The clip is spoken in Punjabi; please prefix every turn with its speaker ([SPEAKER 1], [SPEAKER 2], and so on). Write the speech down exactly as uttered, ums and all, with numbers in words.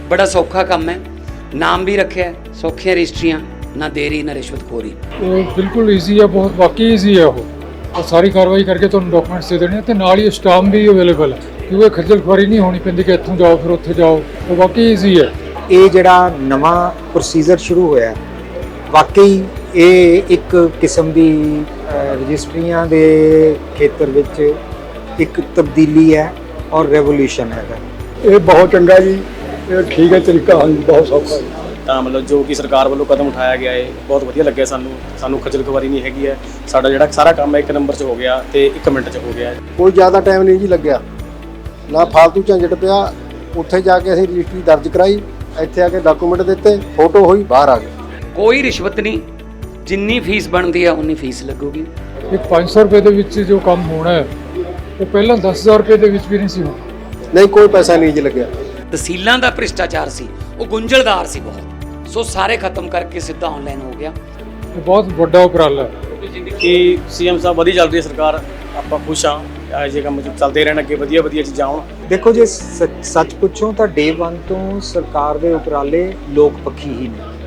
[SPEAKER 1] बड़ा सौखा काम है, नाम भी रखे है, सौखियां रजिस्ट्रियां, ना देरी ना रिश्वतखोरी।
[SPEAKER 2] वो बिल्कुल ईजी है, बहुत वाकई ईजी है वो और सारी कार्रवाई करके तुहानूं डॉक्यूमेंट्स दे देने ते नाल ही स्टाम्प भी अवेलेबल है क्योंकि खज्जल खुआरी नहीं होनी पैंदी कि इत्थों जाओ फिर उत्थे जाओ, वो वाकई ईजी है।
[SPEAKER 3] ਇਹ ਜਿਹੜਾ ਨਵਾਂ ਪ੍ਰੋਸੀਜਰ ਸ਼ੁਰੂ ਹੋਇਆ ਵਾਕਈ ਇਹ ਇੱਕ ਕਿਸਮ ਦੀ ਰਜਿਸਟਰੀਆਂ ਦੇ ਖੇਤਰ ਵਿੱਚ ਇੱਕ ਤਬਦੀਲੀ ਹੈ ਔਰ ਰੈਵੋਲੂਸ਼ਨ ਹੈਗਾ।
[SPEAKER 4] ਇਹ ਬਹੁਤ ਚੰਗਾ ਜੀ, ਇਹ ਠੀਕ ਹੈ ਤਰੀਕਾ, ਹਾਂਜੀ ਬਹੁਤ ਸੌਖਾ ਹੈ।
[SPEAKER 5] ਤਾਂ ਮਤਲਬ ਜੋ ਕਿ ਸਰਕਾਰ ਵੱਲੋਂ ਕਦਮ ਉਠਾਇਆ ਗਿਆ ਹੈ ਬਹੁਤ ਵਧੀਆ ਲੱਗਿਆ ਸਾਨੂੰ ਸਾਨੂੰ ਖੱਜਲ ਖੁਆਰੀ ਨਹੀਂ ਹੈਗੀ ਹੈ। ਸਾਡਾ ਜਿਹੜਾ ਸਾਰਾ ਕੰਮ ਹੈ ਇੱਕ ਨੰਬਰ 'ਚ ਹੋ ਗਿਆ ਤੇ ਇੱਕ ਮਿੰਟ 'ਚ ਹੋ ਗਿਆ।
[SPEAKER 6] ਕੋਈ ਜ਼ਿਆਦਾ ਟਾਈਮ ਨਹੀਂ ਜੀ ਲੱਗਿਆ, ਨਾ ਫालतू ਝੰਜਟ ਪਿਆ। ਉੱਥੇ ਜਾ ਕੇ ਅਸੀਂ ਰਜਿਸਟਰੀ ਦਰਜ ਕਰਾਈ, ਇੱਥੇ ਆ ਕੇ ਡਾਕੂਮੈਂਟ ਦਿੱਤੇ, ਫੋਟੋ ਹੋਈ, ਬਾਹਰ ਆ ਗਏ।
[SPEAKER 1] कोई रिश्वत नहीं, जिन्नी फीस बनती है उन्नी फीस लगूगी।
[SPEAKER 2] एक पाँच सौ रुपये ਦੇ ਵਿੱਚ ਜੋ ਕੰਮ ਹੋਣਾ ਹੈ ਉਹ ਪਹਿਲਾਂ ਦਸ ਹਜ਼ਾਰ ਰੁਪਏ ਦੇ ਵਿੱਚ ਵੀ ਨਹੀਂ ਸੀ ਹੋਣਾ।
[SPEAKER 6] ਨਹੀਂ ਕੋਈ ਪੈਸਾ ਨਹੀਂ ਜੀ ਲੱਗਿਆ।
[SPEAKER 1] ਤਹਿਸੀਲਾਂ ਦਾ ਭ੍ਰਿਸ਼ਟਾਚਾਰ ਸੀ, ਉਹ ਗੁੰਝਲਦਾਰ ਸੀ ਬਹੁਤ, ਸੋ ਸਾਰੇ ਖਤਮ ਕਰਕੇ ਸਿੱਧਾ ਆਨਲਾਈਨ ਹੋ ਗਿਆ।
[SPEAKER 2] ਇਹ ਬਹੁਤ ਵੱਡਾ ਉਪਰਾਲਾ ਹੈ
[SPEAKER 5] ਕਿ ਸੀਐਮ ਸਾਹਿਬ ਵਧੀਆ ਚੱਲ ਰਹੀ ਹੈ ਸਰਕਾਰ, ਆਪਾਂ ਖੁਸ਼ ਹਾਂ। ਇਹੋ ਜਿਹੇ ਕੰਮ ਚੱਲਦੇ ਰਹਿਣ, ਅੱਗੇ ਵਧੀਆ ਵਧੀਆ ਚੀਜ਼ਾਂ ਆਉਣ।
[SPEAKER 3] ਦੇਖੋ ਜੇ ਸੱਚ ਪੁੱਛੋ ਤਾਂ ਡੇ ਵਨ ਤੋਂ ਸਰਕਾਰ ਦੇ ਉਪਰਾਲੇ ਲੋਕ ਪੱਖੀ ਹੀ ਨੇ।